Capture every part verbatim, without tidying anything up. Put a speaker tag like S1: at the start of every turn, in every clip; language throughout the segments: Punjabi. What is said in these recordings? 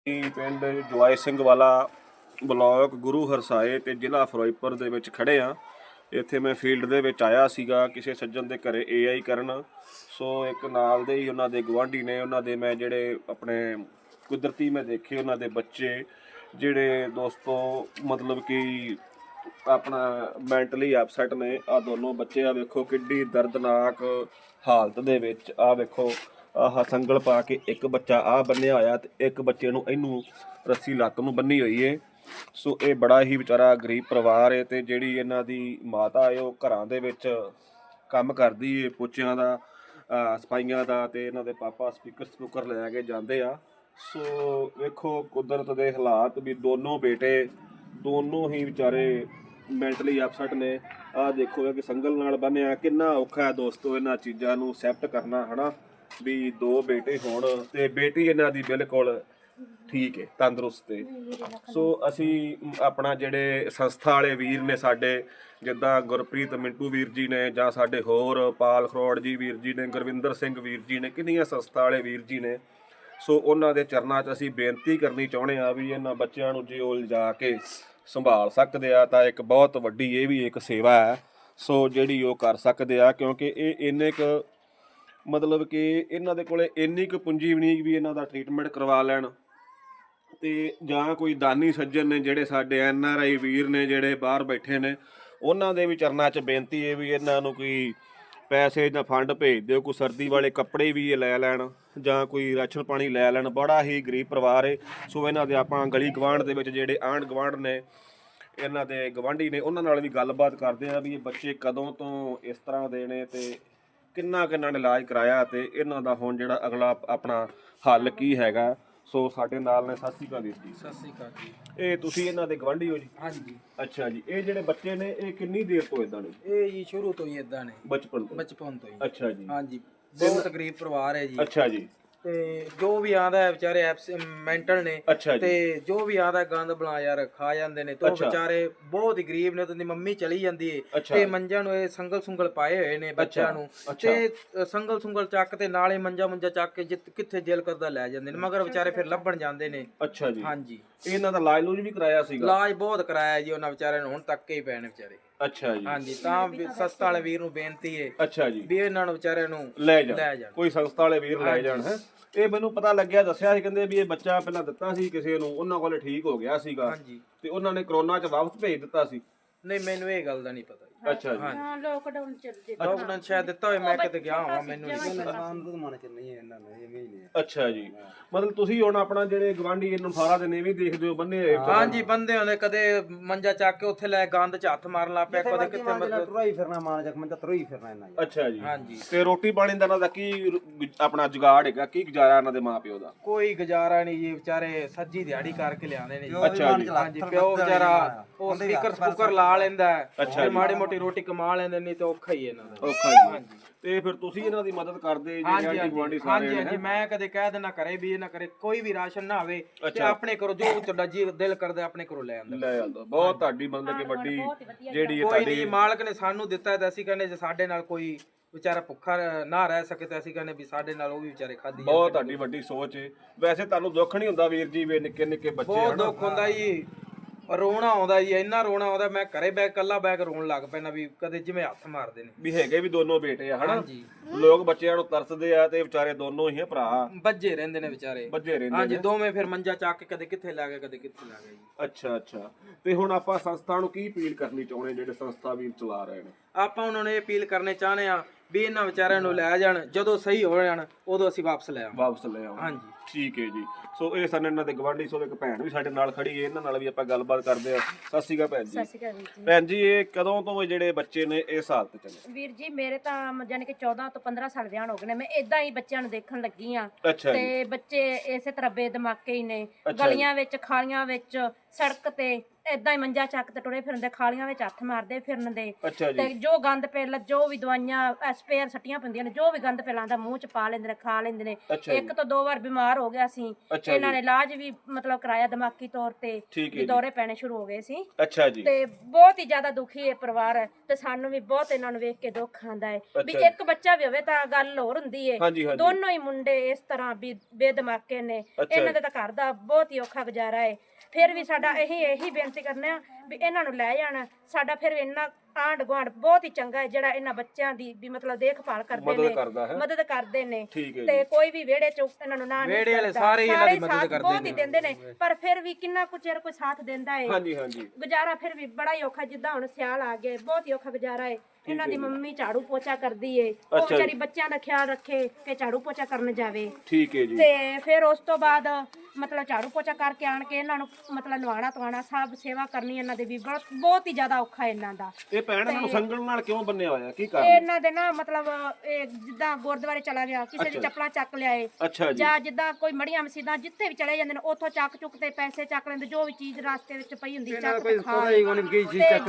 S1: ਪਿੰਡ ਜਵਾਈ ਸਿੰਘ ਵਾਲਾ ਬਲਾਕ ਗੁਰੂ ਹਰਸਾਏ ਤੇ ਜ਼ਿਲ੍ਹਾ ਫਿਰੋਜ਼ਪੁਰ ਦੇ ਵਿੱਚ ਖੜੇ ਆ। ਇੱਥੇ ਮੈਂ ਫੀਲਡ ਦੇ ਵਿੱਚ ਆਇਆ ਸੀਗਾ ਕਿਸੇ ਸੱਜਣ ਦੇ ਘਰੇ ਏ ਆਈ ਕਰਨ। ਸੋ ਇੱਕ ਨਾਲ ਦੇ ਹੀ ਉਹਨਾਂ ਦੇ ਗੁਆਂਢੀ ਨੇ, ਉਹਨਾਂ ਦੇ ਮੈਂ ਜਿਹੜੇ ਆਪਣੇ ਕੁਦਰਤੀ ਮੈਂ ਦੇਖੇ ਉਹਨਾਂ ਦੇ ਬੱਚੇ ਜਿਹੜੇ ਦੋਸਤੋ ਮਤਲਬ ਕਿ ਆਪਣਾ ਮੈਂਟਲੀ ਅਪਸੈਟ ਨੇ। ਆ ਦੋਨੋਂ ਬੱਚੇ ਆ ਵੇਖੋ ਕਿੱਡੀ ਦਰਦਨਾਕ ਹਾਲਤ ਦੇ ਵਿੱਚ। ਆ ਵੇਖੋ ਆਹ ਸੰਗਲ ਪਾ ਕੇ ਇੱਕ ਬੱਚਾ ਆ ਬੰਨਿਆ ਹੋਇਆ ਤੇ ਇੱਕ ਬੱਚੇ ਨੂੰ ਇਹਨੂੰ ਰੱਸੀ ਲੱਕ ਨੂੰ ਬੰਨੀ ਹੋਈ ਏ। ਸੋ ਇਹ ਬੜਾ ਹੀ ਵਿਚਾਰਾ ਗਰੀਬ ਪਰਿਵਾਰ ਏ ਤੇ ਜਿਹੜੀ ਇਹਨਾਂ ਦੀ ਮਾਤਾ ਏ ਉਹ ਘਰਾਂ ਦੇ ਵਿੱਚ ਕੰਮ ਕਰਦੀ ਏ, ਪੋਚਿਆਂ ਦਾ, ਸਫਾਈਆਂ ਦਾ, ਤੇ ਇਹਨਾਂ ਦੇ ਪਾਪਾ ਸਪੀਕਰ ਸਪੂਕਰ ਲੈ ਕੇ ਜਾਂਦੇ ਆ। ਸੋ ਵੇਖੋ ਕੁਦਰਤ ਦੇ ਹਾਲਾਤ ਵੀ ਦੋਨੋਂ ਬੇਟੇ ਦੋਨੋਂ ਹੀ ਵਿਚਾਰੇ ਮੈਂਟਲੀ ਅਪਸੈਟ ਨੇ। ਆਹ ਦੇਖੋ ਕਿ ਸੰਗਲ ਨਾਲ ਬੰਨਿਆ ਕਿੰਨਾ ਔਖਾ ਹੈ ਦੋਸਤੋ ਇਹਨਾਂ ਚੀਜ਼ਾਂ ਨੂੰ ਐਕਸੈਪਟ ਕਰਨਾ, ਹਨਾ ਵੀ ਦੋ ਬੇਟੇ ਹੋਣ ਤੇ ਬੇਟੀ ਇਹਨਾਂ ਦੀ ਬਿਲਕੁਲ ਠੀਕ ਹੈ, ਤੰਦਰੁਸਤ ਹੈ। ਸੋ ਅਸੀਂ ਆਪਣਾ ਜਿਹੜੇ ਸੰਸਥਾ ਵਾਲੇ ਵੀਰ ਨੇ ਸਾਡੇ, ਜਿੱਦਾਂ ਗੁਰਪ੍ਰੀਤ ਮਿੰਟੂ ਵੀਰ ਜੀ ਨੇ, ਜਾਂ ਸਾਡੇ ਹੋਰ ਪਾਲ ਖਰੋੜ ਜੀ ਵੀਰ ਜੀ ਨੇ, ਗੁਰਵਿੰਦਰ ਸਿੰਘ ਵੀਰ ਜੀ ਨੇ, ਕਿੰਨੀਆਂ ਸੰਸਥਾ ਵਾਲੇ ਵੀਰ ਜੀ ਨੇ। ਸੋ ਉਹਨਾਂ ਦੇ ਚਰਨਾਂ 'ਚ ਅਸੀਂ ਬੇਨਤੀ ਕਰਨੀ ਚਾਹੁੰਦੇ ਹਾਂ ਵੀ ਇਹਨਾਂ ਬੱਚਿਆਂ ਨੂੰ ਜੇ ਉਹ ਲਿਜਾ ਕੇ ਸੰਭਾਲ ਸਕਦੇ ਆ ਤਾਂ ਇੱਕ ਬਹੁਤ ਵੱਡੀ ਇਹ ਵੀ ਇੱਕ ਸੇਵਾ ਹੈ ਸੋ ਜਿਹੜੀ ਉਹ ਕਰ ਸਕਦੇ ਆ, ਕਿਉਂਕਿ ਇਹ ਇੰਨੇ ਕੁ ਮਤਲਬ ਕਿ ਇਹਨਾਂ ਦੇ ਕੋਲੇ ਇੰਨੀ ਕੁ ਪੂੰਜੀ ਵੀ ਨਹੀਂ ਵੀ ਇਹਨਾਂ ਦਾ ਟ੍ਰੀਟਮੈਂਟ ਕਰਵਾ ਲੈਣ। ਤੇ ਜਾਂ ਕੋਈ ਦਾਨੀ ਸੱਜਣ ਨੇ ਜਿਹੜੇ ਸਾਡੇ ਐਨ ਆਰ ਆਈ ਵੀਰ ਨੇ ਜਿਹੜੇ ਬਾਹਰ ਬੈਠੇ ਨੇ, ਉਹਨਾਂ ਦੇ ਵੀ ਚਰਨਾਂ 'ਚ ਬੇਨਤੀ ਹੈ ਵੀ ਇਹਨਾਂ ਨੂੰ ਕੋਈ ਪੈਸੇ ਜਾਂ ਫੰਡ ਭੇਜ ਦਿਓ, ਕੋਈ ਸਰਦੀ ਵਾਲੇ ਕੱਪੜੇ ਵੀ ਇਹ ਲੈ ਲੈਣ ਜਾਂ ਕੋਈ ਰਾਸ਼ਨ ਪਾਣੀ ਲੈ ਲੈਣ। ਬੜਾ ਹੀ ਗਰੀਬ ਪਰਿਵਾਰ ਹੈ। ਸੋ ਇਹਨਾਂ ਦੇ ਆਪਾਂ ਗਲੀ ਗਵਾਂਢ ਦੇ ਵਿੱਚ ਜਿਹੜੇ ਆਂਢ ਗਵਾਂਢ ਨੇ, ਇਹਨਾਂ ਦੇ ਗਵਾਂਢੀ ਨੇ, ਉਹਨਾਂ ਨਾਲ ਵੀ ਗੱਲਬਾਤ ਕਰਦੇ ਆ ਵੀ ਇਹ ਬੱਚੇ ਕਦੋਂ ਤੋਂ ਇਸ ਤਰ੍ਹਾਂ ਦੇ ਨੇ ਤੇ ਕਿੰਨਾ ਕਿੰਨਾ ਨੇ ਇਲਾਜ ਕਰਾਇਆ ਤੇ ਇਹਨਾਂ ਦਾ ਹੁਣ ਜਿਹੜਾ ਅਗਲਾ ਆਪਣਾ ਹੱਲ ਕੀ ਹੈਗਾ। ਸੋ ਸਾਡੇ ਨਾਲ ਨੇ। ਸਤਿ ਸ਼੍ਰੀ ਅਕਾਲ ਵੀਰ ਜੀ।
S2: ਸਤਿ ਸ਼੍ਰੀ ਅਕਾਲ ਜੀ।
S1: ਇਹ ਤੁਸੀਂ ਇਹਨਾਂ ਦੇ ਗਵਾਂਢੀ ਹੋ ਜੀ?
S2: ਹਾਂਜੀ।
S1: ਅੱਛਾ ਜੀ। ਇਹ ਜਿਹੜੇ ਬੱਚੇ ਨੇ ਇਹ ਕਿੰਨੀ ਦੇਰ ਤੋਂ ਇਦਾਂ ਨੇ?
S2: ਇਹ ਜੀ ਸ਼ੁਰੂ ਤੋਂ ਹੀ ਇਦਾਂ ਨੇ,
S1: ਬਚਪਨ ਤੋਂ?
S2: ਬਚਪਨ ਤੋਂ ਹੀ।
S1: ਅੱਛਾ ਜੀ।
S2: ਹਾਂਜੀ, ਬਹੁਤ ਗਰੀਬ ਪਰਿਵਾਰ ਹੈ ਜੀ।
S1: ਅੱਛਾ ਜੀ।
S2: ਤੇ ਜੋ ਵੀ ਆਂਦਾ ਹੈ ਵਿਚਾਰੇ ਮੈਂਟਲ ਨੇ, ਤੇ ਜੋ ਵੀ ਆਂਦਾ ਗੰਦ ਬਣਾ ਯਾਰ ਖਾ ਜਾਂਦੇ ਨੇ। ਤੇ ਵਿਚਾਰੇ ਬਹੁਤ ਹੀ ਗਰੀਬ ਨੇ। ਉਹਦੀ ਮੰਮੀ ਚਲੀ ਜਾਂਦੀ ਹੈ ਤੇ ਮੰਜਾਂ ਨੂੰ ਇਹ ਸੰਗਲ ਸੁੰਗਲ ਪਾਏ ਹੋਏ ਨੇ ਬੱਚਿਆਂ ਨੂੰ, ਤੇ ਸੰਗਲ ਸੁੰਗਲ ਚੱਕ ਤੇ ਨਾਲੇ ਮੰਜਾ ਮੁੰਜਾ ਚੱਕ ਕੇ ਕਿੱਥੇ ਦਿਲ ਕਰਦਾ ਲੈ ਜਾਂਦੇ ਨੇ, ਮਗਰ ਵਿਚਾਰੇ ਫਿਰ ਲੱਭਣ ਜਾਂਦੇ ਨੇ।
S1: ਅੱਛਾ ਜੀ।
S2: ਹਾਂਜੀ।
S1: ਇਹਨਾਂ ਦਾ ਇਲਾਜ ਲੂਜ ਵੀ ਕਰਾਇਆ ਸੀਗਾ? ਇਲਾਜ
S2: ਬਹੁਤ ਕਰਾਇਆ ਜੀ ਉਹਨਾਂ ਵਿਚਾਰਿਆਂ ਨੂੰ, ਹੁਣ ਤੱਕ ਹੀ ਪਏ ਨੇ ਵਿਚਾਰੇ।
S1: ਅੱਛਾ ਜੀ।
S2: ਹਾਂਜੀ, ਤਾਂ ਸੰਸਥਾ ਵਾਲੇ ਵੀਰ ਨੂੰ ਬੇਨਤੀ ਹੈ
S1: ਅੱਛਾ ਜੀ ਵੀ
S2: ਇਹਨਾਂ ਨੂੰ ਵਿਚਾਰਿਆਂ ਨੂੰ
S1: ਲੈ ਜਾਣ, ਕੋਈ ਸੰਸਥਾ ਵਾਲੇ ਵੀਰ ਲੈ ਜਾਣ। ਹੈ ਇਹ ਮੈਨੂੰ ਪਤਾ ਲੱਗਿਆ, ਦੱਸਿਆ ਸੀ ਕਹਿੰਦੇ ਵੀ ਇਹ ਬੱਚਾ ਪਹਿਲਾਂ ਦਿੱਤਾ ਸੀ ਕਿਸੇ ਨੂੰ, ਉਹਨਾਂ ਕੋਲੇ ਠੀਕ ਹੋ ਗਿਆ ਸੀਗਾ ਤੇ ਉਹਨਾਂ ਨੇ ਕਰੋਨਾ 'ਚ ਵਾਪਸ ਭੇਜ ਦਿੱਤਾ ਸੀ।
S2: ਨਹੀਂ, ਮੈਨੂੰ ਇਹ ਗੱਲ ਦਾ ਨਹੀਂ ਪਤਾ।
S1: ਅੱਛਾ ਜੀ।
S3: ਹਾਂ, ਲੋਕਡਾਊਨ ਚ ਦਿੱਤਾ।
S2: ਲੋਕਡਾਊਨ ਸ਼ਾਇਦ ਦਿੱਤਾ ਹੋਵੇ, ਮੈਂ ਕਿਤੇ ਗਿਆ ਹਾਂ, ਮੈਨੂੰ ਨਹੀਂ ਪਤਾ।
S1: ਅੱਛਾ ਜੀ। ਮਤਲਬ ਤੁਸੀਂ ਹੁਣ ਆਪਣਾ ਜਿਹੜੇ ਗਵਾਂਢੀ ਇਹਨੂੰ ਸਾਰਾ ਦਿਨ ਇਹ ਵੀ ਦੇਖਦੇ ਹੋ ਬੰਨੇ ਹੋਏ?
S2: ਹਾਂਜੀ, ਬੰਦੇ ਹੁੰਦੇ, ਕਦੇ ਮੰਜਾ ਚੱਕ ਕੇ ਉੱਥੇ ਲੈ ਗੰਦ 'ਚ ਹੱਥ ਮਾਰਨ ਲੱਗ ਪਿਆ, ਕਦੇ ਕਿੱਥੇ ਮਤਲਬ
S4: ਤੁਰਈ ਫਿਰਨਾ, ਮਾਨ ਚੱਕ ਮੰਜਾ ਤੁਰਈ ਫਿਰਨਾ ਇਹਨਾਂ ਦਾ।
S1: ਅੱਛਾ ਜੀ।
S2: ਹਾਂਜੀ।
S1: ਤੇ ਰੋਟੀ ਪਾਣੀ ਦਾ ਇਹਨਾਂ ਦਾ ਕੀ ਆਪਣਾ ਜੁਗਾੜ ਹੈਗਾ, ਕੀ ਗੁਜ਼ਾਰਾ ਇਹਨਾਂ ਦੇ ਮਾਂ ਪਿਓ ਦਾ?
S2: ਕੋਈ ਗੁਜ਼ਾਰਾ ਨਹੀਂ ਜੀ, ਵਿਚਾਰੇ ਸੱਜੀ ਦਿਹਾੜੀ ਕਰਕੇ ਲਿਆਉਂਦੇ ਨੇ ਜੀ।
S1: ਅੱਛਾ ਜੀ।
S2: ਹਾਂਜੀ, ਪਿਓ ਵਿਚਾਰਾ ਉਹ ਸਪੀਕਰ ਸਪੂਕਰ ਲਾ ਲੈਂਦਾ ਹੈ, ਮਾੜੀ ਮੋਟੀ ਰੋਟੀ ਕਮਾ ਲੈਂਦੇ, ਨਹੀਂ ਤੇ ਔਖਾ ਹੀ ਇਹਨਾਂ ਦਾ।
S1: ਔਖਾ ਜੀ। ਹਾਂਜੀ। ਤੇ ਫਿਰ ਤੁਸੀਂ ਇਹਨਾਂ ਦੀ ਮਦਦ ਕਰਦੇ ਜੀ?
S2: ਹਾਂਜੀ ਹਾਂਜੀ ਹਾਂਜੀ। ਮੈਂ ਕਦੇ ਕਹਿ ਦੇਣਾ ਕਰੇ ਵੀ ਇਹ ਨਾ ਕਰੇ, ਕੋਈ ਵੀ ਰਾਸ਼ਨ ਨਾ ਆਵੇ ਤੇ ਆਪਣੇ ਘਰੋਂ ਜੋ ਤੁਹਾਡਾ ਜੀ ਦਿਲ ਕਰਦਾ ਆਪਣੇ ਘਰੋਂ ਲੈ ਆਂਦਾ, ਲੈ ਆਂਦਾ।
S1: ਬਹੁਤ ਤੁਹਾਡੀ ਮਤਲਬ ਕਿ ਵੱਡੀ ਜਿਹੜੀ
S2: ਕੋਈ ਨਹੀਂ, ਮਾਲਕ ਨੇ ਸਾਨੂੰ ਦਿੱਤਾ ਤੇ ਅਸੀਂ ਕਹਿੰਦੇ ਜੇ ਸਾਡੇ ਨਾਲ ਕੋਈ ਵਿਚਾਰਾ ਭੁੱਖਾ ਨਾ ਰਹਿ ਸਕੇ ਤੇ ਅਸੀਂ ਕਹਿੰਦੇ ਵੀ ਸਾਡੇ ਨਾਲ ਉਹ ਵੀ ਵਿਚਾਰੇ ਖਾਧੀ।
S1: ਬਹੁਤ ਤੁਹਾਡੀ ਵੱਡੀ ਸੋਚ ਹੈ। ਵੈਸੇ ਤੁਹਾਨੂੰ ਦੁੱਖ ਨਹੀਂ ਹੁੰਦਾ ਵੀਰ ਜੀ ਵੀ ਨਿੱਕੇ ਨਿੱਕੇ ਬੱਚੇ?
S2: ਬਹੁਤ ਦੁੱਖ ਹੁੰਦਾ ਜੀ, ਰੋਣਾ ਆਉਂਦਾ ਜੀ, ਇੰਨਾ ਰੋਣਾ ਆਉਂਦਾ। ਮੈਂ ਘਰੇ ਬੈ ਕੱਲਾ ਬੈ ਕੇ ਰੋਣ ਲੱਗ ਪੈਣਾ ਵੀ ਕਦੇ ਜਿਵੇਂ ਹੱਥ ਮਾਰਦੇ ਨੇ।
S1: ਵੀ ਹੈਗੇ ਵੀ ਦੋਨੋਂ ਬੇਟੇ ਆ ਹਨਾ? ਲੋਕ ਬੱਚਿਆਂ ਨੂੰ ਤਰਸਦੇ ਆ ਤੇ ਵਿਚਾਰੇ ਦੋਨੋਂ ਹੀ ਭਰਾ
S2: ਬੱਜੇ ਰਹਿੰਦੇ ਨੇ ਵਿਚਾਰੇ,
S1: ਬੱਜੇ ਰਹਿੰਦੇ।
S2: ਹਾਂਜੀ, ਦੋਵੇਂ ਫਿਰ ਮੰਜਾ ਚੱਕ ਕੇ ਕਦੇ ਕਿੱਥੇ ਲੈ ਗਏ, ਕਦੇ ਕਿੱਥੇ ਲੈ ਗਏ ਜੀ।
S1: ਅੱਛਾ ਅੱਛਾ। ਤੇ ਹੁਣ ਆਪਾਂ ਸੰਸਥਾ ਨੂੰ ਕੀ ਅਪੀਲ ਕਰਨੀ ਚਾਹੁੰਦੇ ਜਿਹੜੇ ਸੰਸਥਾ ਵੀਰ ਚਲਾ ਰਹੇ ਨੇ?
S2: ਆਪਾਂ ਉਹਨਾਂ ਨੂੰ ਇਹ ਅਪੀਲ ਕਰਨੇ ਚਾਹੁੰਦੇ ਆ ਵੀ ਇਹਨਾਂ ਵਿਚਾਰਿਆਂ ਨੂੰ ਲੈ ਜਾਣ, ਜਦੋਂ ਸਹੀ ਹੋ ਜਾਣ ਉਦੋਂ ਅਸੀਂ ਵਾਪਸ ਲੈ ਆਵਾਂ।
S1: ਵਾਪਸ ਲੈ ਆਵਾਂ।
S2: ਹਾਂਜੀ,
S1: ਠੀਕ ਹੈ ਜੀ। ਸੋ ਇਹ ਸਨ ਇਹਨਾਂ ਦੇ ਗਵਾਂਢੀ। ਸੋ ਇੱਕ ਭੈਣ ਵੀ ਸਾਡੇ ਨਾਲ ਖੜੀ ਹੈ, ਇਹਨਾਂ ਨਾਲ ਵੀ ਆਪਾਂ ਗੱਲਬਾਤ ਕਰਦੇ ਆ। ਸਤਿ ਸ਼੍ਰੀ ਅਕਾਲ ਭੈਣ ਜੀ।
S3: ਸਤਿ ਸ਼੍ਰੀ ਅਕਾਲ ਵੀਰ ਜੀ।
S1: ਭੈਣ ਜੀ, ਇਹ ਕਦੋਂ ਤੋਂ ਜਿਹੜੇ ਬੱਚੇ ਨੇ ਇਸ ਹਾਲਤ ਚ ਨੇ?
S3: ਵੀਰ ਜੀ ਮੇਰੇ ਤਾਂ ਯਾਨੀ ਕਿ ਚੌਦਾਂ ਤੋਂ ਪੰਦਰਾਂ ਸਾਲ ਵਿਆਹ ਹੋ ਗਏ ਨੇ। ਮੈਂ ਇਦਾਂ ਹੀ ਬੱਚਿਆਂ ਨੂੰ ਦੇਖਣ ਲੱਗੀ ਆ ਤੇ ਬੱਚੇ ਇਸੇ ਤਰ੍ਹਾਂ ਬੇਦਮਾਕੇ ਹੀ ਨੇ, ਗਲੀਆਂ ਵਿੱਚ, ਖਾਲੀਆਂ ਵਿੱਚ, ਸੜਕ ਤੇ ਏਦਾਂ ਹੀ ਮੰਜਾ ਚੱਕ ਤੇ ਟੁਰੇ ਫਿਰਦੇ, ਖਾਲੀਆਂ ਵਿੱਚ ਹੱਥ ਮਾਰਦੇ ਫਿਰਨ ਦੇ।
S1: ਅੱਛਾ ਜੀ।
S3: ਤੇ ਜੋ ਗੰਦ ਪਹਿਲ ਜੋ ਵੀ ਦਵਾਈਆਂ ਸਪੇਅਰ ਸੱਟੀਆਂ ਪੈਂਦੀਆਂ ਨੇ, ਜੋ ਵੀ ਗੰਦ ਪਹਿਲਾਂ ਮੂੰਹ ਚ ਪਾ ਲੈਂਦੇ ਨੇ, ਖਾ ਲੈਂਦੇ ਨੇ। ਇੱਕ ਤੋਂ ਦੋ ਵਾਰ ਬਿਮਾਰ ਹੋ ਗਿਆ ਸੀ, ਇਹਨਾਂ ਨੇ ਇਲਾਜ ਵੀ ਮਤਲਬ ਕਰਾਇਆ ਦਿਮਾਗੀ ਤੌਰ ਤੇ, ਵੀ ਦੌਰੇ ਪੈਣੇ ਸ਼ੁਰੂ ਹੋ ਗਏ ਸੀ।
S1: ਅੱਛਾ ਜੀ।
S3: ਤੇ ਬਹੁਤ ਹੀ ਜ਼ਿਆਦਾ ਦੁਖੀ ਹੈ ਪਰਿਵਾਰ, ਤੇ ਸਾਨੂੰ ਵੀ ਬਹੁਤ ਇਹਨਾਂ ਨੂੰ ਵੇਖ ਕੇ ਦੁੱਖ ਆਂਦਾ ਹੈ ਵੀ ਇੱਕ ਬੱਚਾ ਵੀ ਹੋਵੇ ਤਾਂ ਗੱਲ ਹੋਰ ਹੁੰਦੀ ਹੈ, ਦੋਨੋਂ ਹੀ ਮੁੰਡੇ ਇਸ ਤਰ੍ਹਾਂ ਵੀ ਬੇਦਮਾਕੇ ਨੇ, ਇਹਨਾਂ ਦੇ ਤਾਂ ਘਰ ਦਾ ਬਹੁਤ ਹੀ ਔਖਾ ਗੁਜ਼ਾਰਾ ਹੈ। ਫਿਰ ਵੀ ਸਾਡਾ ਇਹੀ ਇਹੀ ਬੇਨਤੀ ਕਰਨੇ ਆ ਵੀ ਇਹਨਾਂ ਨੂੰ ਲੈ ਜਾਣ। ਸਾਡਾ ਫਿਰ ਇੰਨਾ ਆਂਢ ਗੁਆਂਢ ਬਹੁਤ ਹੀ ਚੰਗਾ ਹੈ ਜਿਹੜਾ ਇਹਨਾਂ ਬੱਚਿਆਂ ਦੀ ਵੀ ਮਤਲਬ ਦੇਖਭਾਲ ਕਰਦੇ ਨੇ, ਮਦਦ ਕਰਦੇ ਨੇ। ਤੇ ਕੋਈ ਵੀ ਵਿਹੜੇ ਚ ਇਹਨਾਂ ਨੂੰ ਨਾ
S2: ਵਿਹੜੇ ਵਾਲੇ ਸਾਰੇ ਇਹਨਾਂ ਦੀ ਮਦਦ ਕਰਦੇ
S3: ਬਹੁਤ ਹੀ ਦਿੰਦੇ ਨੇ, ਪਰ ਫਿਰ ਵੀ ਕਿੰਨਾ ਕੁ ਚਿਰ ਕੋਈ ਸਾਥ ਦਿੰਦਾ ਹੈ।
S1: ਹਾਂਜੀ ਹਾਂਜੀ।
S3: ਗੁਜ਼ਾਰਾ ਫਿਰ ਵੀ ਬੜਾ ਹੀ ਔਖਾ, ਜਿੱਦਾਂ ਹੁਣ ਸਿਆਲ ਆ ਗਏ, ਬਹੁਤ ਹੀ ਔਖਾ ਗੁਜ਼ਾਰਾ ਹੈ। ਇਹਨਾਂ ਦੀ ਮੰਮੀ ਝਾੜੂ ਪੋਚਾ ਕਰਦੀ ਏ, ਉਹ ਵਿਚਾਰੀ ਬੱਚਿਆਂ ਦਾ ਖਿਆਲ ਰੱਖੇ ਕਿ ਝਾੜੂ ਪੋਚਾ ਕਰਨ ਜਾਵੇ।
S1: ਠੀਕ ਹੈ ਜੀ।
S3: ਤੇ ਫਿਰ ਉਸ ਤੋਂ ਬਾਅਦ ਮਤਲਬ ਝਾੜੂ ਪੋਚਾ ਕਰਕੇ ਆਣ ਕੇ ਇਹਨਾਂ ਨੂੰ ਮਤਲਬ ਨਵਾਣਾ ਧਵਾਣਾ ਸਭ ਸੇਵਾ ਕਰਨੀ ਇਹਨਾਂ ਦੇ ਵੀ ਬਹੁਤ ਬਹੁਤ ਹੀ ਜ਼ਿਆਦਾ ਔਖਾ ਇਹਨਾਂ ਦਾ।
S1: ਇਹ ਭੈਣ ਇਹਨਾਂ ਨੂੰ ਸੰਗਲ ਨਾਲ ਕਿਉਂ ਬੰਨਿਆ ਹੋਇਆ, ਕੀ ਕਾਰਨ?
S3: ਇਹਨਾਂ ਦੇ ਨਾ ਮਤਲਬ ਇਹ ਜਿੱਦਾਂ ਗੁਰਦੁਆਰੇ ਚਲਾ ਗਿਆ, ਕਿਸੇ ਦੀ ਚੱਪਲਾਂ ਚੱਕ ਲਿਆਏ, ਜਾਂ ਜਿੱਦਾਂ ਕੋਈ ਮੜੀਆਂ ਮਸੀਤਾਂ ਜਿੱਥੇ ਵੀ ਚਲੇ ਜਾਂਦੇ ਨੇ, ਉੱਥੋਂ ਚੱਕ ਚੁੱਕ ਤੇ ਪੈਸੇ ਚੱਕ ਲੈਂਦੇ, ਜੋ ਵੀ ਚੀਜ਼ ਰਾਸਤੇ ਵਿੱਚ ਪਈ ਹੁੰਦੀ ਚੱਕ ਕੇ ਖਾ ਲੈਂਦੇ।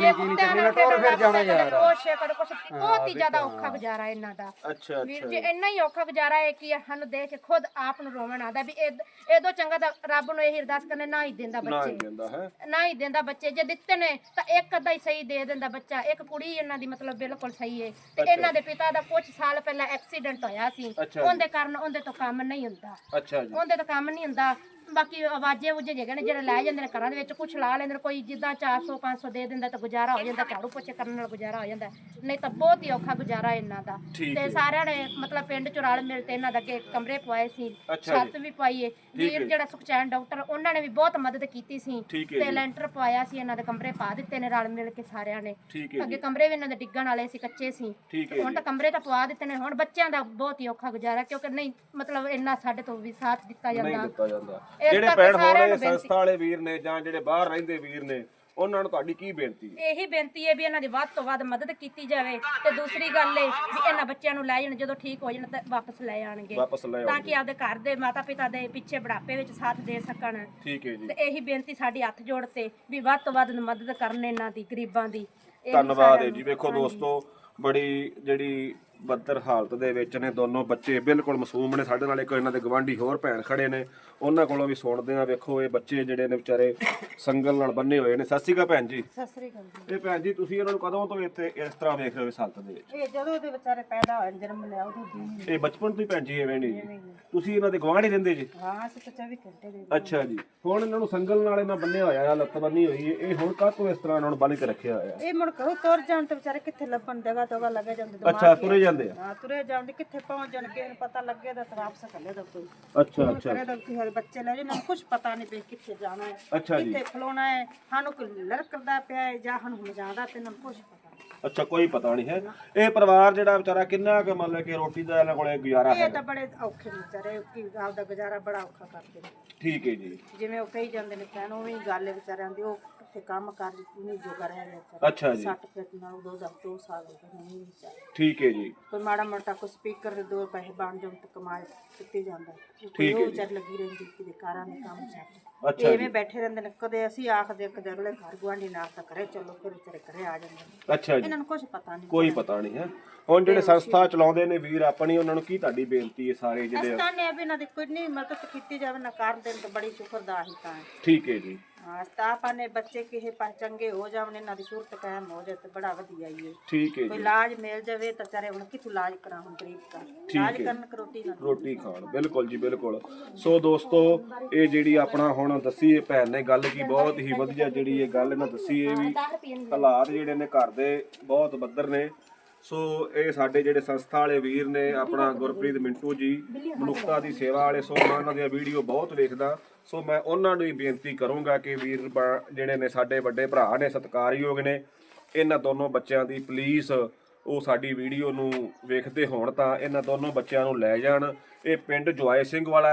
S3: ਬਹੁਤ ਹੀ ਜ਼ਿਆਦਾ ਔਖਾ ਗੁਜ਼ਾਰਾ ਇਹਨਾਂ ਦਾ।
S1: ਅੱਛਾ
S3: ਵੀਰ ਜੀ ਇੰਨਾ ਹੀ ਔਖਾ ਗੁਜ਼ਾਰਾ ਹੈ ਕਿ ਸਾਨੂੰ ਦੇਖ ਕੇ ਖੁਦ ਆਪ ਨੂੰ ਰੋਵਣ ਆਉਂਦਾ ਵੀ ਇਹਦੋਂ ਚੰਗਾ ਤਾਂ ਰੱਬ ਨੂੰ ਇਹ ਅਰਦਾਸ ਕਰਨੇ ਨਾ ਹੀ ਦਿੰਦਾ ਬੱਚੇ, ਨਾ ਹੀ ਦਿੰਦਾ ਬੱਚੇ। ਜੇ ਦਿੱਤੇ ਨੇ ਤਾਂ ਇੱਕ ਅੱਧਾ ਹੀ ਸਹੀ ਦੇ ਦਿੰਦਾ ਬੱਚਾ। ਇੱਕ ਕੁੜੀ ਇਹਨਾਂ ਦੀ ਮਤਲਬ ਬਿਲਕੁਲ ਸਹੀ ਹੈ, ਤੇ ਇਹਨਾਂ ਦੇ ਪਿਤਾ ਦਾ ਕੁਝ ਸਾਲ ਪਹਿਲਾਂ ਐਕਸੀਡੈਂਟ ਹੋਇਆ ਸੀ, ਉਹਦੇ ਕਾਰਨ ਉਹਦੇ ਤੋਂ ਕੰਮ ਨਹੀਂ ਹੁੰਦਾ। ਉਹਦੇ ਤੋਂ ਕੰਮ ਨਹੀਂ ਹੁੰਦਾ। ਬਾਕੀ ਆਵਾਜ਼ੇ ਵੁਜੇ ਜਿਹੜੇ ਨੇ ਜਿਹੜੇ ਲੈ ਜਾਂਦੇ ਨੇ ਘਰਾਂ ਦੇ ਵਿੱਚ, ਕੁਛ ਲਾ ਲੈਂਦੇ ਨੇ, ਕੋਈ ਜਿੱਦਾਂ ਚਾਰ ਸੌ ਪੰਜ ਸੌ ਦੇ ਦਿੰਦਾ ਤਾਂ ਗੁਜ਼ਾਰਾ ਹੋ ਜਾਂਦਾ, ਝਾੜੂ ਪੋਚੇ ਕਰਨ ਨਾਲ ਗੁਜ਼ਾਰਾ ਹੋ ਜਾਂਦਾ। ਨਹੀਂ ਤਾਂ ਬਹੁਤ ਹੀ ਔਖਾ ਗੁਜ਼ਾਰਾ ਇਹਨਾਂ ਦਾ। ਤੇ ਸਾਰਿਆਂ ਨੇ ਮਤਲਬ ਪਿੰਡ ਚ ਰਲ ਮਿਲ ਤੇ ਇਹਨਾਂ ਦੇ ਅੱਗੇ ਕਮਰੇ ਪਵਾਏ ਸੀ, ਛੱਤ ਵੀ ਪਾਈਏ। ਵੀਰ ਜਿਹੜਾ ਸੁਖਚੈਨ ਡਾਕਟਰ, ਉਹਨਾਂ ਨੇ ਵੀ ਬਹੁਤ ਮਦਦ ਕੀਤੀ ਸੀ, ਤੇ ਲੈਂਟਰ ਪਵਾਇਆ ਸੀ, ਇਹਨਾਂ ਦੇ ਕਮਰੇ ਪਾ ਦਿੱਤੇ ਨੇ ਰਲ ਮਿਲ ਕੇ ਸਾਰਿਆਂ ਨੇ। ਅੱਗੇ ਕਮਰੇ ਵੀ ਇਹਨਾਂ ਦੇ ਡਿੱਗਣ ਵਾਲੇ ਸੀ, ਕੱਚੇ ਸੀ, ਹੁਣ ਤਾਂ ਕਮਰੇ ਤਾਂ ਪਵਾ ਦਿੱਤੇ ਨੇ। ਹੁਣ ਬੱਚਿਆਂ ਦਾ ਬਹੁਤ ਹੀ ਔਖਾ ਗੁਜ਼ਾਰਾ, ਕਿਉਂਕਿ ਨਹੀਂ ਮਤਲਬ ਇੰਨਾ ਸਾਡੇ ਤੋਂ ਵੀ ਸਾਥ ਦਿੱਤਾ ਜਾਂਦਾ।
S1: ਜਿਹੜੇ ਭੈਣ ਹੋਣੇ ਸੰਸਥਾ ਵਾਲੇ ਵੀਰ ਨੇ ਜਾਂ ਜਿਹੜੇ ਬਾਹਰ ਰਹਿੰਦੇ ਵੀਰ ਨੇ, ਉਹਨਾਂ ਨੂੰ ਤੁਹਾਡੀ ਕੀ ਬੇਨਤੀ ਹੈ?
S3: ਇਹੀ ਬੇਨਤੀ ਹੈ ਵੀ ਇਹਨਾਂ ਦੀ ਵੱਧ ਤੋਂ ਵੱਧ ਮਦਦ ਕੀਤੀ ਜਾਵੇ, ਤੇ ਦੂਸਰੀ ਗੱਲ ਹੈ ਵੀ ਇਹਨਾਂ ਬੱਚਿਆਂ ਨੂੰ ਲੈ ਜਾਣ, ਜਦੋਂ ਠੀਕ ਹੋ ਜਾਣ ਤਾਂ ਵਾਪਸ ਲੈ ਆਣਗੇ, ਤਾਂ ਕਿ ਆਪਦੇ ਘਰ ਦੇ ਮਾਤਾ ਪਿਤਾ ਦੇ ਪਿੱਛੇ ਬੁਢਾਪੇ ਵਿੱਚ ਸਾਥ ਦੇ ਸਕਣ। ਠੀਕ ਹੈ ਜੀ। ਤੇ ਇਹੀ ਬੇਨਤੀ ਸਾਡੀ ਹੱਥ ਜੋੜ ਤੇ ਵੀ ਵੱਧ ਤੋਂ ਵੱਧ ਮਦਦ ਕਰਨ ਇਹਨਾਂ ਦੀ, ਗਰੀਬਾਂ ਦੀ।
S1: ਧੰਨਵਾਦ ਹੈ ਜੀ। ਵੇਖੋ ਦੋਸਤੋ, ਬੜੀ ਜਿਹੜੀ ਬੱਦਰ ਹਾਲਤ ਦੇ ਵਿੱਚ ਨੇ ਦੋਨੋਂ ਬੱਚੇ, ਬਿਲਕੁਲ ਮਾਸੂਮ ਨੇ। ਸਾਡੇ ਨਾਲ ਇੱਕ ਇਹਨਾਂ ਦੇ ਗਵਾਂਢੀ ਹੋਰ ਭੈਣ ਖੜੇ ਨੇ, ਉਹਨਾਂ ਕੋਲੋਂ ਵੀ ਸੁਣਦੇ ਆ। ਵੇਖੋ ਇਹ ਬੱਚੇ ਜਿਹੜੇ ਨੇ ਵਿਚਾਰੇ ਸੰਗਲ ਨਾਲ ਬੰਨੇ ਹੋਏ ਨੇ। ਸਤਿ ਸ਼੍ਰੀ ਅਕਾਲ ਭੈਣ ਜੀ।
S5: ਸਤਿ ਸ੍ਰੀ ਅਕਾਲ ਜੀ।
S1: ਇਹ ਭੈਣ ਜੀ ਤੁਸੀਂ ਇਹਨਾਂ ਨੂੰ ਕਦੋਂ ਤੋਂ ਇੱਥੇ ਇਸ ਤਰ੍ਹਾਂ ਵੇਖ ਰਹੇ ਹੋ ਇਸ ਹਾਲਤ ਦੇ ਵਿੱਚ?
S5: ਇਹ ਜਦੋਂ ਦੇ ਵਿਚਾਰੇ ਪੈਦਾ ਹੋਏ, ਜਨਮ ਲਿਆ ਉਦੋਂ ਦੀ।
S1: ਇਹ ਬਚਪਨ ਤੋਂ ਹੀ ਭੈਣ ਜੀ ਐਵੇਂ ਨਹੀਂ ਜੀ? ਤੁਸੀਂ ਇਹਨਾਂ ਦੇ ਗਵਾਂਢੀ ਰਹਿੰਦੇ ਜੀ?
S5: ਹਾਂ, ਅਸੀਂ ਤਾਂ ਚੌਵੀ ਘੰਟੇ ਦੇ।
S1: ਅੱਛਾ ਜੀ। ਹੁਣ ਇਹਨਾਂ ਨੂੰ ਸੰਗਲ ਨਾਲ ਇਹਨਾਂ ਬੰਨਿਆ ਹੋਇਆ, ਲੱਤ ਬੰਨੀ ਹੋਈ ਹੈ, ਇਹ ਹੁਣ ਕਾਹਤੋਂ ਇਸ ਤਰ੍ਹਾਂ ਇਹਨਾਂ ਨੂੰ ਬੰਨ ਕੇ ਰੱਖਿਆ ਹੋਇਆ?
S5: ਇਹ ਮੁੜ ਘਰੋਂ ਤੁਰ ਜਾਣ ਤੇ ਵਿਚਾਰੇ ਕਿੱਥੇ ਲੱਭਣ, ਜਗ੍ਹਾ ਤੋਗਾ ਲੱਗੇ ਜਾਂਦੇ ਦਿਮਾਗ।
S1: ਅੱਛਾ, ਤੁਰੇ ਜਾਂਦੇ ਆ?
S5: ਹਾਂ, ਤੁਰੇ ਜਾਂਦੇ, ਕਿੱਥੇ ਪਹੁੰਚ ਜਾਣ, ਕਿਸੇ ਨੂੰ ਪਤਾ ਲੱਗੇ ਤਾਂ ਵਾਪਸ ਕੱਲੇ ਦਾ ਕੋਈ।
S1: ਅੱਛਾ ਅੱਛਾ।
S5: ਕਰੇ ਤਾਂ ਕਿਸੇ ਬੱਚੇ ਲੈ ਜਾਣ, ਕੁਝ ਪਤਾ ਨਹੀਂ ਪਈ ਕਿੱਥੇ ਜਾਣਾ ਹੈ,
S1: ਅੱਛਾ ਜੀ,
S5: ਕਿੱਥੇ ਖਲੋਣਾ ਹੈ, ਸਾਨੂੰ ਕੋਈ ਲੜਕਦਾ ਪਿਆ ਹੈ ਜਾਂ ਸਾਨੂੰ ਮਜਾਦਾ ਤੇ ਨਾ ਕੁਝ ਪਤਾ ਨਹੀਂ।
S1: ਅੱਛਾ, ਕੋਈ ਪਤਾ ਨਹੀਂ ਹੈ। ਇਹ ਪਰਿਵਾਰ ਜਿਹੜਾ ਵਿਚਾਰਾ ਕਿੰਨਾ ਕੁ ਮਤਲਬ ਕਿ ਰੋਟੀ ਦਾ ਇਹਨਾਂ ਕੋਲੇ ਗੁਜ਼ਾਰਾ ਹੈ?
S5: ਇਹ ਤਾਂ ਬੜੇ ਔਖੇ ਵਿਚਾਰੇ, ਕਿ ਆਪਦਾ ਗੁਜ਼ਾਰਾ ਬੜਾ ਔਖਾ ਕਰਦੇ ਨੇ।
S1: ਠੀਕ ਹੈ ਜੀ।
S5: ਜਿਵੇਂ ਉਹ ਕਹੀ ਜਾਂਦੇ ਨੇ ਭੈਣ, ਉਹ ਵੀ ਗੱਲ ਹੈ ਵਿਚਾਰਿਆਂ ਦੀ। ਉਹ ਕਿੱਥੇ ਕੰਮ ਕਰ ਨਹੀਂ ਜੋਗਾ ਰਹਿ ਗਿਆ।
S1: ਅੱਛਾ ਜੀ।
S5: ਸੱਟ ਪੇਟ ਨਾਲ ਦੋ ਦਾ ਦੋ ਸਾਲ ਹੋ ਗਏ ਨਹੀਂ ਵਿਚਾਰੇ।
S1: ਠੀਕ ਹੈ ਜੀ।
S5: ਕੋਈ ਮਾੜਾ ਮੋਟਾ ਕੋਈ ਸਪੀਕਰ ਦੇ ਦੋ ਪੈਸੇ ਬਣ ਜਾਣ ਤੇ ਕਮਾਏ ਕਿੱਤੇ ਜਾਂਦਾ।
S1: ਠੀਕ ਹੈ।
S5: ਉਹ ਵਿਚਾਰ ਲੱਗੀ ਰਹਿੰਦੀ ਕਿਤੇ ਕਾਰਾਂ ਦੇ ਕੰਮ ਛੱਡ। ਅੱਛਾ, ਐਵੇਂ ਬੈਠੇ ਰਹਿੰਦੇ ਨੇ। ਕਦੇ ਅਸੀਂ ਆਖਦੇ ਕਦੇ ਅਗਲੇ ਘਰ ਗੁਆਂਢੀ ਨਾਲ ਤਾਂ ਕਰੇ ਚਲੋ, ਫਿਰ ਵਿਚਾਰੇ ਘਰੇ ਆ ਜਾਂਦੇ ਨੇ।
S1: ਅੱਛਾ ਜੀ।
S5: ਇਹਨਾਂ ਨੂੰ ਕੁਝ ਪਤਾ ਨਹੀਂ,
S1: ਕੋਈ ਪਤਾ ਨਹੀਂ ਹੈ। ਹੁਣ ਜਿਹੜੇ ਸੰਸਥਾ ਚਲਾਉਂਦੇ ਨੇ ਵੀਰ ਆਪਣੀ, ਉਹਨਾਂ ਨੂੰ ਕੀ ਤੁਹਾਡੀ ਬੇਨਤੀ ਹੈ? ਸਾਰੇ ਜਿਹੜੇ
S5: ਸੰਸਥਾ ਨੇ ਵੀ ਇਹਨਾਂ ਦੀ ਕੋਈ ਨਹੀਂ ਮਦਦ ਕੀਤੀ ਜਾਵੇ ਨਾ ਕਰਨ ਦੇਣ, ਤਾਂ ਬੜੀ ਸ਼ੁਕਰਦਾ ਹੀ ਤਾਂ।
S1: ਠੀਕ ਹੈ ਜੀ।
S5: ਹਾਂ, ਸਤਾਪਾ ਨੇ ਬੱਚੇ ਕਿਸੇ ਪਾਸ ਚੰਗੇ ਹੋ ਜਾਵਣ, ਇਹਨਾਂ ਦੀ ਸੂਰਤ ਕਾਇਮ ਹੋ ਜਾਏ ਤੇ ਬੜਾ ਵਧੀਆ ਹੀ ਹੈ।
S1: ਠੀਕ ਹੈ
S5: ਕੋਈ
S1: ਜੀ।
S5: ਇਲਾਜ ਮਿਲ ਜਾਵੇ ਤਾਂ ਚਾਰੇ ਹੁਣ ਕਿਥੋਂ ਇਲਾਜ ਕਰਾਂ, ਹੁਣ ਗਰੀਬ ਦਾ ਇਲਾਜ ਕਰਨ ਕਿ ਰੋਟੀ ਨਾ
S1: ਰੋਟੀ ਖਾਣ। ਬਿਲਕੁਲ ਜੀ, ਬਿਲਕੁਲ। ਸੋ ਦੋਸਤੋ, ਇਹ ਜਿਹੜੀ ਆਪਣਾ ਹੁਣ ਦੱਸੀ ਇਹ ਭੈਣ ਨੇ ਗੱਲ ਕੀ ਬਹੁਤ ਹੀ ਵਧੀਆ ਜਿਹੜੀ ਇਹ ਗੱਲ ਇਹਨਾਂ ਦੱਸੀ। ਇਹ ਵੀ ਹਾਲਾਤ ਜਿਹੜੇ ਨੇ ਘਰ ਦੇ ਬਹੁਤ ਬੱਦਰ ਨੇ। ਸੋ ਇਹ ਸਾਡੇ ਜਿਹੜੇ ਸੰਸਥਾ ਵਾਲੇ ਵੀਰ ਨੇ, ਆਪਣਾ ਗੁਰਪ੍ਰੀਤ ਮਿੰਟੂ ਜੀ, ਮਨੁੱਖਤਾ ਦੀ ਸੇਵਾ ਵਾਲੇ। ਸੋ ਮੈਂ ਉਹਨਾਂ ਦੀਆਂ ਵੀਡੀਓ ਬਹੁਤ ਵੇਖਦਾ। ਸੋ ਮੈਂ ਉਹਨਾਂ ਨੂੰ ਹੀ ਬੇਨਤੀ ਕਰੂੰਗਾ ਕਿ ਵੀਰ ਜਿਹੜੇ ਨੇ ਸਾਡੇ ਵੱਡੇ ਭਰਾ ਨੇ, ਸਤਿਕਾਰਯੋਗ ਨੇ, ਇਹਨਾਂ ਦੋਨੋਂ ਬੱਚਿਆਂ ਦੀ ਪਲੀਜ਼ ਉਹ ਸਾਡੀ ਵੀਡੀਓ ਨੂੰ ਵੇਖਦੇ ਹੋਣ ਤਾਂ ਇਹਨਾਂ ਦੋਨੋਂ ਬੱਚਿਆਂ ਨੂੰ ਲੈ ਜਾਣ। ਇਹ ਪਿੰਡ ਜਵਾਏ ਸਿੰਘ ਵਾਲਾ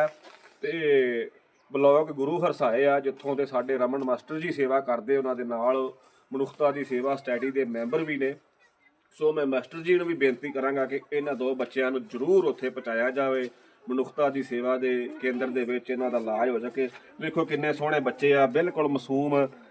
S1: ਤੇ ਬਲਾਕ ਗੁਰੂ ਹਰਸਾਏ ਆ, ਜਿੱਥੋਂ ਦੇ ਸਾਡੇ ਰਮਨ ਮਾਸਟਰ ਜੀ ਸੇਵਾ ਕਰਦੇ, ਉਹਨਾਂ ਦੇ ਨਾਲ ਮਨੁੱਖਤਾ ਦੀ ਸੇਵਾ ਸਟੈਡੀ ਦੇ ਮੈਂਬਰ ਵੀ ਨੇ। ਸੋ ਮੈਂ ਮਾਸਟਰ ਜੀ ਨੂੰ ਵੀ ਬੇਨਤੀ ਕਰਾਂਗਾ ਕਿ ਇਹਨਾਂ ਦੋ ਬੱਚਿਆਂ ਨੂੰ ਜ਼ਰੂਰ ਉੱਥੇ ਪਹੁੰਚਾਇਆ ਜਾਵੇ, ਮਨੁੱਖਤਾ ਦੀ ਸੇਵਾ ਦੇ ਕੇਂਦਰ ਦੇ ਵਿੱਚ ਇਹਨਾਂ ਦਾ ਇਲਾਜ ਹੋ ਸਕੇ। ਵੇਖੋ ਕਿੰਨੇ ਸੋਹਣੇ ਬੱਚੇ ਆ, ਬਿਲਕੁਲ ਮਾਸੂਮ,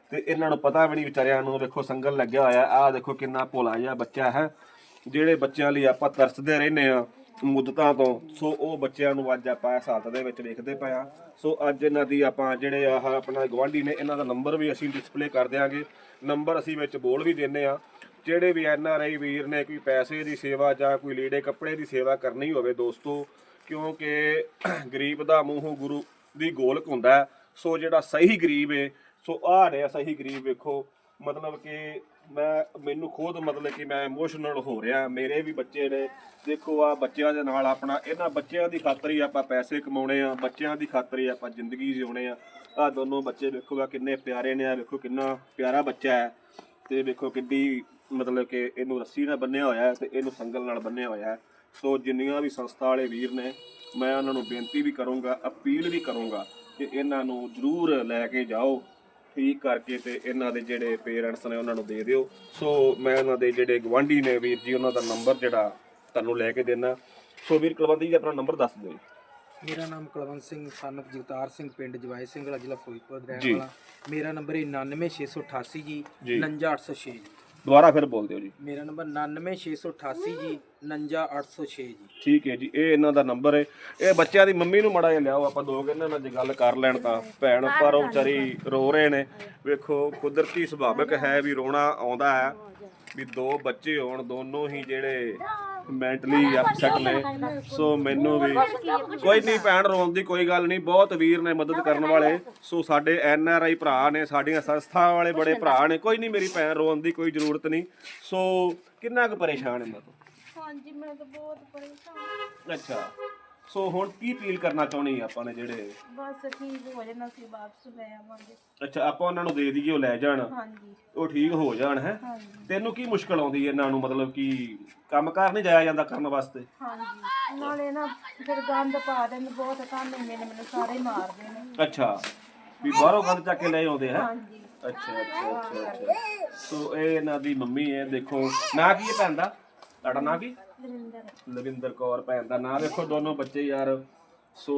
S1: ਤੇ ਇਹਨਾਂ ਨੂੰ ਪਤਾ ਵੀ ਨਹੀਂ ਵਿਚਾਰਿਆਂ ਨੂੰ। ਵੇਖੋ ਸੰਗਲ ਲੱਗਿਆ ਹੋਇਆ, ਆਹ ਦੇਖੋ ਕਿੰਨਾ ਭੋਲਾ ਜਿਹਾ ਬੱਚਾ ਹੈ, ਜਿਹੜੇ ਬੱਚਿਆਂ ਲਈ ਆਪਾਂ ਤਰਸਦੇ ਰਹਿੰਦੇ ਆ ਮੁੱਦਤਾਂ ਤੋਂ। ਸੋ ਉਹ ਬੱਚਿਆਂ ਨੂੰ ਅੱਜ ਆਪਾਂ ਇਸ ਹਾਲਤ ਦੇ ਵਿੱਚ ਵੇਖਦੇ ਪਏ ਆ। ਸੋ ਅੱਜ ਇਹਨਾਂ ਦੀ ਆਪਾਂ ਜਿਹੜੇ ਆਹ ਆਪਣਾ ਗਵਾਂਢੀ ਨੇ, ਇਹਨਾਂ ਦਾ ਨੰਬਰ ਵੀ ਅਸੀਂ ਡਿਸਪਲੇ ਕਰ ਦਿਆਂਗੇ, ਨੰਬਰ ਅਸੀਂ ਵਿੱਚ ਬੋਲ ਵੀ ਦਿੰਦੇ ਆ। ਜਿਹੜੇ ਵੀ ਐਨ ਆਰ ਆਈ ਵੀਰ ਨੇ ਕੋਈ ਪੈਸੇ ਦੀ ਸੇਵਾ ਜਾਂ ਕੋਈ ਲੀੜੇ ਕੱਪੜੇ ਦੀ ਸੇਵਾ ਕਰਨੀ ਹੋਵੇ ਦੋਸਤੋ, ਕਿਉਂਕਿ ਗਰੀਬ ਦਾ ਮੂੰਹ ਗੁਰੂ ਦੀ ਗੋਲਕ ਹੁੰਦਾ। ਸੋ ਜਿਹੜਾ ਸਹੀ ਗਰੀਬ ਹੈ, ਸੋ ਆਹ ਰਿਹਾ ਸਹੀ ਗਰੀਬ। ਵੇਖੋ ਮਤਲਬ ਕਿ ਮੈਂ ਮੈਨੂੰ ਖੁਦ ਮਤਲਬ ਕਿ ਮੈਂ ਇਮੋਸ਼ਨਲ ਹੋ ਰਿਹਾ। ਮੇਰੇ ਵੀ ਬੱਚੇ ਨੇ, ਦੇਖੋ ਆ ਬੱਚਿਆਂ ਦੇ ਨਾਲ ਆਪਣਾ, ਇਹਨਾਂ ਬੱਚਿਆਂ ਦੀ ਖਾਤਰ ਹੀ ਆਪਾਂ ਪੈਸੇ ਕਮਾਉਣੇ ਆ, ਬੱਚਿਆਂ ਦੀ ਖਾਤਰ ਹੀ ਆਪਾਂ ਜ਼ਿੰਦਗੀ ਜਿਉਣੇ ਆ। ਆਹ ਦੋਨੋਂ ਬੱਚੇ ਵੇਖੋ ਆ ਕਿੰਨੇ ਪਿਆਰੇ ਨੇ, ਆ ਵੇਖੋ ਕਿੰਨਾ ਪਿਆਰਾ ਬੱਚਾ ਹੈ, ਤੇ ਵੇਖੋ ਕਿੱਡੀ ਮਤਲਬ ਕਿ ਇਹਨੂੰ ਰੱਸੀ ਨਾਲ ਬੰਨਿਆ ਹੋਇਆ ਹੈ ਤੇ ਇਹਨੂੰ ਸੰਗਲ ਨਾਲ ਬੰਨਿਆ ਹੋਇਆ ਹੈ। ਸੋ ਜਿੰਨੀਆਂ ਵੀ ਸੰਸਥਾ ਵਾਲੇ ਵੀਰ ਨੇ, ਮੈਂ ਉਹਨਾਂ ਨੂੰ ਬੇਨਤੀ ਵੀ ਕਰੂੰਗਾ, ਅਪੀਲ ਵੀ ਕਰੂੰਗਾ ਕਿ ਇਹਨਾਂ ਨੂੰ ਜ਼ਰੂਰ ਲੈ ਕੇ ਜਾਓ ਠੀਕ ਕਰਕੇ, ਤੇ ਇਹਨਾਂ ਦੇ ਜਿਹੜੇ ਪੇਰੈਂਟਸ ਨੇ ਉਹਨਾਂ ਨੂੰ ਦੇ ਦਿਓ। ਸੋ ਮੈਂ ਉਹਨਾਂ ਦੇ ਜਿਹੜੇ ਗਵਾਂਢੀ ਨੇ ਵੀਰ ਜੀ, ਉਹਨਾਂ ਦਾ ਨੰਬਰ ਜਿਹੜਾ ਤੁਹਾਨੂੰ ਲੈ ਕੇ ਦੇਣਾ। ਸੋ ਵੀਰ ਕੁਲਵੰਤ ਜੀ ਆਪਣਾ ਨੰਬਰ ਦੱਸ ਦਿਓ।
S2: ਮੇਰਾ ਨਾਮ ਕੁਲਵੰਤ ਸਿੰਘ ਸਨ of ਜਗਤਾਰ ਸਿੰਘ, ਪਿੰਡ ਜਵਾਈ ਸਿੰਘਲਾ, ਜ਼ਿਲ੍ਹਾ ਫਿਰੋਜ਼ਪੁਰ ਦਾ ਰਹਿਣ ਵਾਲਾ। ਮੇਰਾ ਨੰਬਰ ਹੈ ਨਾਨਵੇਂ ਛੇ ਸੌ ਅਠਾਸੀ ਜੀ ਉਣੰਜਾ ਅੱਠ ਸੌ ਛੇ ਜੀ।
S1: ਦੁਬਾਰਾ ਫਿਰ ਬੋਲ ਦਿਓ ਜੀ।
S2: ਮੇਰਾ ਨੰਬਰ ਨਾਨਵੇਂ ਛੇ ਸੌ ਅਠਾਸੀ ਜੀ ਉਣੰਜਾ ਅੱਠ ਸੌ ਛੇ ਜੀ।
S1: ਠੀਕ ਹੈ ਜੀ, ਇਹ ਇਹਨਾਂ ਦਾ ਨੰਬਰ ਹੈ। ਇਹ ਬੱਚਿਆਂ ਦੀ ਮੰਮੀ ਨੂੰ ਮਾੜਾ ਜਿਹਾ ਲਿਆਓ, ਆਪਾਂ ਦੋ ਇਹਨਾਂ ਨਾਲ ਜੇ ਗੱਲ ਕਰ ਲੈਣ ਤਾਂ ਭੈਣ, ਪਰ ਉਹ ਵਿਚਾਰੀ ਰੋ ਰਹੇ ਨੇ। ਵੇਖੋ ਕੁਦਰਤੀ ਸੁਭਾਵਿਕ ਹੈ ਵੀ ਰੋਣਾ ਆਉਂਦਾ ਹੈ, ਵੀ ਦੋ ਬੱਚੇ ਹੋਣ, ਦੋਨੋਂ ਹੀ ਜਿਹੜੇ ਮੈਂਟਲੀ ਅਪਸੈਟ ਨੇ। ਸੋ ਮੈਨੂੰ ਵੀ ਕੋਈ ਨਹੀਂ ਭੈਣ, ਰੋਣ ਦੀ ਕੋਈ ਗੱਲ ਨਹੀਂ, ਬਹੁਤ ਵੀਰ ਨੇ ਮਦਦ ਕਰਨ ਵਾਲੇ। ਸੋ ਸਾਡੇ ਐਨ ਆਰ ਆਈ ਭਰਾ ਨੇ, ਸਾਡੀਆਂ ਸੰਸਥਾ ਵਾਲੇ ਬੜੇ ਭਰਾ ਨੇ, ਕੋਈ ਨਹੀਂ ਮੇਰੀ ਭੈਣ, ਰੋਣ ਦੀ ਕੋਈ ਜ਼ਰੂਰਤ ਨਹੀਂ। ਸੋ ਕਿੰਨਾ ਕੁ ਪਰੇਸ਼ਾਨ ਹੈ ਮੈਂ ਤੋਂ?
S3: ਹਾਂਜੀ ਮੈਂ ਤਾਂ ਬਹੁਤ ਪਰੇਸ਼ਾਨ।
S1: ਅੱਛਾ, ਸੋ ਹੁਣ ਕੀ ਅਪੀਲ ਕਰਨਾ ਚਾਹੁੰਦੀ ਆਪਾਂ ਨੇ ਜਿਹੜੇ?
S3: ਬਸ ਠੀਕ ਹੋ ਜਾਣਾ, ਅਸੀਂ ਵਾਪਸ ਲੈ ਆਵਾਂਗੇ।
S1: ਅੱਛਾ, ਆਪਾਂ ਉਹਨਾਂ ਨੂੰ ਦੇ ਦਈਏ, ਉਹ ਲੈ ਜਾਣ,
S3: ਹਾਂਜੀ
S1: ਉਹ ਠੀਕ ਹੋ ਜਾਣ ਹੈ। ਤੈਨੂੰ ਕੀ ਮੁਸ਼ਕਲ ਆਉਂਦੀ ਹੈ ਇਹਨਾਂ ਨੂੰ, ਮਤਲਬ ਕਿ ਕੰਮਕਾਰ ਨਹੀਂ ਜਾਇਆ ਜਾਂਦਾ ਕਰਨ ਵਾਸਤੇ?
S3: ਹਾਂਜੀ, ਨਾਲੇ ਨਾ ਫਿਰ ਗੰਦ ਪਾ ਦੇਣ, ਬਹੁਤ ਕੰਮ ਨੇ ਮੈਨੂੰ ਸਾਰੇ ਮਾਰਦੇ ਨੇ।
S1: ਅੱਛਾ, ਵੀ ਬਾਹਰੋਂ ਗੰਦ ਚੱਕ ਕੇ ਲੈ ਆਉਂਦੇ ਹੈ।
S3: ਹਾਂਜੀ
S1: ਅੱਛਾ ਅੱਛਾ ਅੱਛਾ ਅੱਛਾ। ਸੋ ਇਹ ਇਹਨਾਂ ਦੀ ਮੰਮੀ ਹੈ, ਦੇਖੋ ਨਾਂ ਕੀ ਹੈ ਭੈਣ ਦਾ? ਤੁਹਾਡਾ ਨਾਂ ਕੀ?
S3: ਲਵਿੰਦਰ।
S1: ਲਵਿੰਦਰ ਕੌਰ ਭੈਣ ਦਾ ਨਾਂ। ਵੇਖੋ ਦੋਨੋਂ ਬੱਚੇ ਯਾਰ, ਸੋ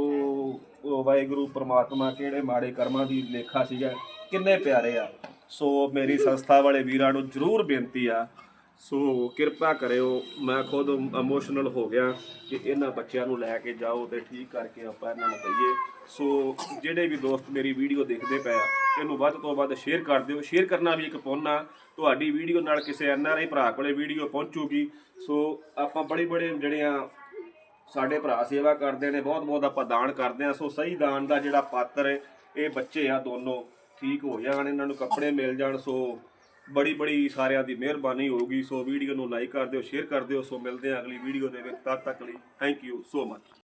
S1: ਉਹ ਵਾਹਿਗੁਰੂ ਪ੍ਰਮਾਤਮਾ ਕਿਹੜੇ ਮਾੜੇ ਕਰਮਾਂ ਦੀ ਲੇਖਾ ਸੀਗਾ, ਕਿੰਨੇ ਪਿਆਰੇ ਆ। ਸੋ ਮੇਰੀ ਸੰਸਥਾ ਵਾਲੇ ਵੀਰਾਂ ਨੂੰ ਜ਼ਰੂਰ ਬੇਨਤੀ ਆ, ਸੋ ਕਿਰਪਾ ਕਰਿਓ। ਮੈਂ ਖੁਦ ਇਮੋਸ਼ਨਲ ਹੋ ਗਿਆ ਕਿ ਇਹਨਾਂ ਬੱਚਿਆਂ ਨੂੰ ਲੈ ਕੇ ਜਾਓ ਤੇ ਠੀਕ ਕਰਕੇ ਆਪਾਂ ਇਹਨਾਂ ਨੂੰ ਦਈਏ। ਸੋ ਜਿਹੜੇ ਵੀ ਦੋਸਤ ਮੇਰੀ ਵੀਡੀਓ ਦੇਖਦੇ ਪਏ ਆ, ਇਹਨੂੰ ਵੱਧ ਤੋਂ ਵੱਧ ਸ਼ੇਅਰ ਕਰ ਦਿਓ। ਸ਼ੇਅਰ ਕਰਨਾ ਵੀ ਇੱਕ ਪੁੰਨ ਆ, ਤੁਹਾਡੀ ਵੀਡੀਓ ਨਾਲ ਕਿਸੇ ਐਨ ਆਰ ਆਈ ਭਰਾ ਕੋਲੇ ਵੀਡੀਓ ਪਹੁੰਚੂਗੀ। ਸੋ ਆਪਾਂ ਬੜੇ ਬੜੇ ਜਿਹੜੀਆਂ ਸਾਡੇ ਭਰਾ ਸੇਵਾ ਕਰਦੇ ਨੇ, ਬਹੁਤ ਬਹੁਤ ਆਪਾਂ ਦਾਨ ਕਰਦੇ ਆ। ਸੋ ਸਹੀ ਦਾਨ ਦਾ ਜਿਹੜਾ ਪਾਤਰ ਹੈ, ਇਹ ਬੱਚੇ ਆ ਦੋਨੋਂ, ਠੀਕ ਹੋ ਜਾਣ, ਇਹਨਾਂ ਨੂੰ ਕੱਪੜੇ ਮਿਲ ਜਾਣ। ਸੋ ਬੜੀ ਬੜੀ ਸਾਰਿਆਂ ਦੀ ਮਿਹਰਬਾਨੀ ਹੋਊਗੀ। ਸੋ ਵੀਡੀਓ ਨੂੰ ਲਾਈਕ ਕਰ ਦਿਓ, ਸ਼ੇਅਰ ਕਰ ਦਿਓ। ਸੋ ਮਿਲਦੇ ਆ ਅਗਲੀ ਵੀਡੀਓ ਦੇ ਵਿੱਚ, ਤਦ ਤੱਕ ਲਈ ਥੈਂਕ ਯੂ ਸੋ ਮਚ।